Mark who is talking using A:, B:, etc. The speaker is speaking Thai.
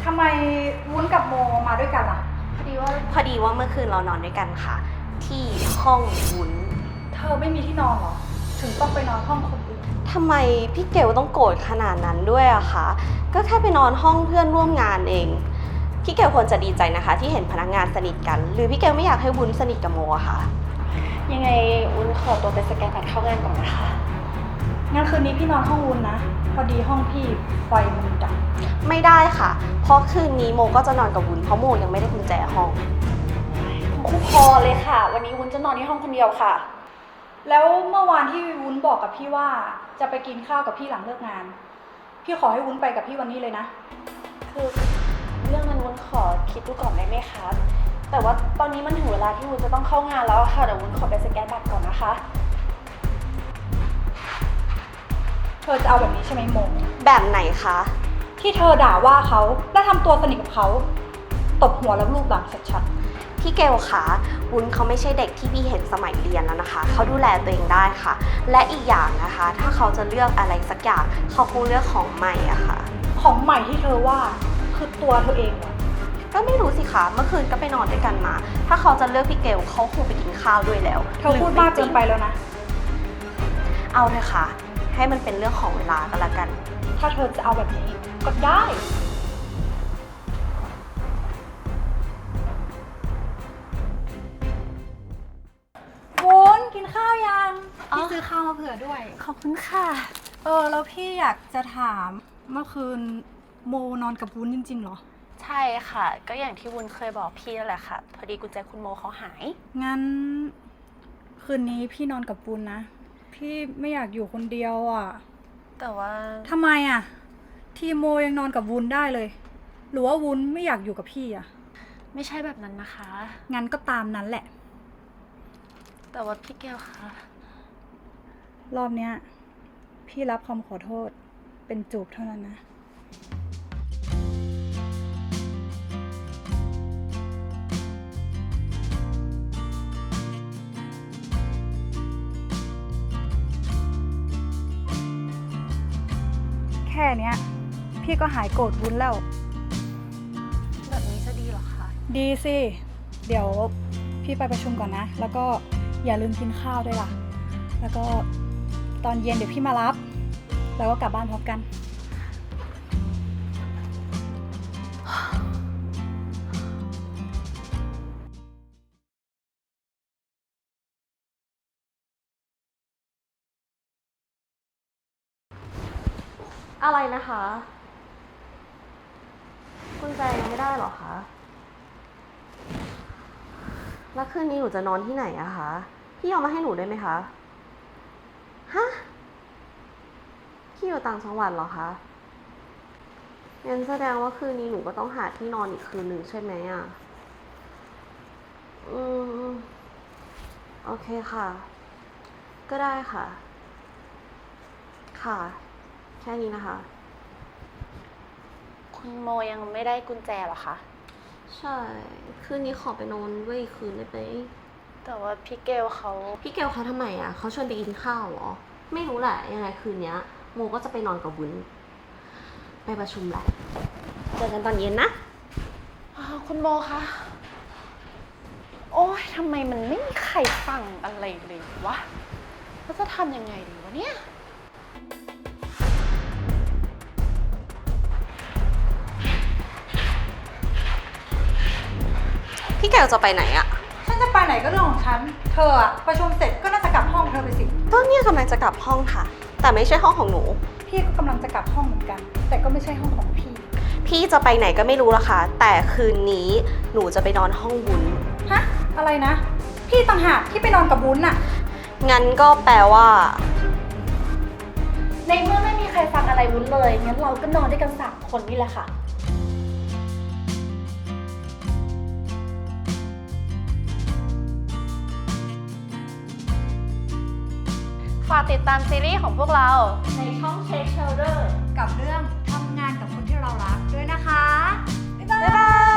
A: ทำไมวุ้นกับโมมาด้วยกันล่ะ
B: พอดีว่าเมื่อคืนเรานอนด้วยกันค่ะ ที่ห้องวุ้น
A: เธอไม่มีที่นอนเหรอถึงต้องไปนอนห้องคนอื่น
B: ทำไมพี่เกลต้องโกรธขนาดนั้นด้วยอะคะก็แค่ไปนอนห้องเพื่อนร่วมงานเองพี่เกลควรจะดีใจนะคะที่เห็นพนักงานสนิทกันหรือพี่เกลไม่อยากให้วุ้นสนิทกับโมอะคะยังไงวุ้นขอตัวไปสแกนบัตรเข้างานก่อนนะคะ
A: งั้นคืนนี้พี่นอนห้องวุ้นนะพอดีห้องพี่ไฟมันดับ
B: ไม่ได้ค่ะเพราะคืนนี้โมก็จะนอนกับวุ้นเพราะโมยังไม่ได้กุญแจห้อง
C: คู่พอเลยค่ะวันนี้วุ้นจะนอนที่ห้องคนเดียวค่ะ
A: แล้วเมื่อวานที่วุ้นบอกกับพี่ว่าจะไปกินข้าวกับพี่หลังเลิกงานพี่ขอให้วุ้นไปกับพี่วันนี้เลยนะ
C: คือเรื่องนั้นวุ้นขอคิดดูก่อนได้ไหมคะแต่ว่าตอนนี้มันถึงเวลาที่วุ้นจะต้องเข้างานแล้วค่ะเดี๋ยววุ้นขอไปสแกนบัตรก่อนนะคะ
A: เธอจะเอาแบบนี้ใช่ไหมโม
B: แบบไหนคะ
A: ที่เธอด่าว่าเขาและทำตัวสนิทกับเขาตบหัวแล้วลูบหลังชัด
B: ๆพี่เกลคะวุ้นเขาไม่ใช่เด็กที่พี่เห็นสมัยเรียนแล้วนะคะเขาดูแลตัวเองได้ค่ะและอีกอย่างนะคะถ้าเขาจะเลือกอะไรสักอย่างเขาคงเลือกของใหม่อะค่ะ
A: ของใหม่ที่เธอว่าคือตัวเธอเองเหรอ
B: ก็ไม่รู้สิคะเมื่อคืนก็ไปนอนด้วยกันมาถ้าเขาจะเลือกพี่เกลเขาคงไปกินข้าวด้วยแล้ว
A: เธอพูดมากเกินไปแล้วนะ
B: เอาเถอะค่ะให้มันเป็นเรื่องของเวลาก็แล้วกัน
A: ถ้าเธอจะเอาแบบนี้ก็ได้วุ้นกินข้าวยังพี่ซื้อข้าวมาเผื่อด้วย
B: ขอบคุณค่ะ
A: แล้วพี่อยากจะถามเมื่อคืนโมนอนกับวุ้นจริงๆเหรอ
C: ใช่ค่ะก็อย่างที่วุ้นเคยบอกพี่นั่นแหละค่ะพอดีกุญแจคุณโมเขาหาย
A: งั้นคืนนี้พี่นอนกับวุ้นนะพี่ไม่อยากอยู่คนเดียวอ่ะ
C: แต่ว่า
A: ทำไมอ่ะทีโมยังนอนกับวุ้นได้เลยหรือว่าวุ้นไม่อยากอยู่กับพี่อ่ะ
C: ไม่ใช่แบบนั้นนะคะ
A: งั้นก็ตามนั้นแหละ
C: แต่ว่าพี่แก้วคะ
A: รอบเนี้ยพี่รับคำขอโทษเป็นจูบเท่านั้นนะแค่เนี้ยพี่ก็หายโกรธวุ้นแล้ว
C: แบบนี้จะดีหรอคะ
A: ดีสิเดี๋ยวพี่ไปประชุมก่อนนะแล้วก็อย่าลืมกินข้าวด้วยล่ะแล้วก็ตอนเย็นเดี๋ยวพี่มารับแล้วก็กลับบ้านพร้อมกัน
B: อะไรนะคะกุญแจยังไม่ได้หรอคะแล้วคืนนี้หนูจะนอนที่ไหนอะคะพี่เอามาให้หนูได้ไหมคะฮะพี่อยู่ต่างจังหวัดเหรอคะงั้นแสดงว่าคืนนี้หนูก็ต้องหาที่นอนอีกคืนหนึ่งใช่ไหมอะโอเคค่ะก็ได้ค่ะค่ะแค่นี้นะคะ
C: คุณโมยังไม่ได้กุญแจหรอคะ
B: ใช่คืนนี้ขอไปนอนด้วยอีกคืนได้ไหม
C: แต่ว่าพี่เกลเขา
B: ทำไมอ่ะเขาชวนไปกินข้าวเหรอไม่รู้แหละยังไงคืนนี้โมก็จะไปนอนกับวุ้นไปประชุมแหละเจอกันตอนเย็นนะ
C: คุณโมคะโอ๊ยทำไมมันไม่มีใครฟังอะไรเลยวะแล้วจะทำยังไงดีวะเนี่ย
B: พี่แกจะไปไหนอะ
A: ฉันจะไปไหนก็เรื่องของฉันเธออะประชุมเสร็จก็น่าจะกลับห้องเธอไปสิ
B: ก็เนี่ยกำลังจะกลับห้องค่ะแต่ไม่ใช่ห้องของหนู
A: พี่ก็กำลังจะกลับห้องเหมือนกันแต่ก็ไม่ใช่ห้องของ
B: พี่จะไปไหนก็ไม่รู้ละค่ะแต่คืนนี้หนูจะไปนอนห้องวุ้น
A: ฮะอะไรนะพี่ต่างหากที่ไปนอนกับวุ้นอะ
B: งั้นก็แปลว่า
C: ในเมื่อไม่มีใครฟังอะไรวุ้นเลยงั้นเราก็นอนด้วยกัน3 คนนี่แหละค่ะฝากติดตามซีรีส์ของพวกเราในช่อง Shake Shoulder
A: กับเรื่องทำงานกับคนที่เรารักด้วยนะคะ
B: บ๊ายบาย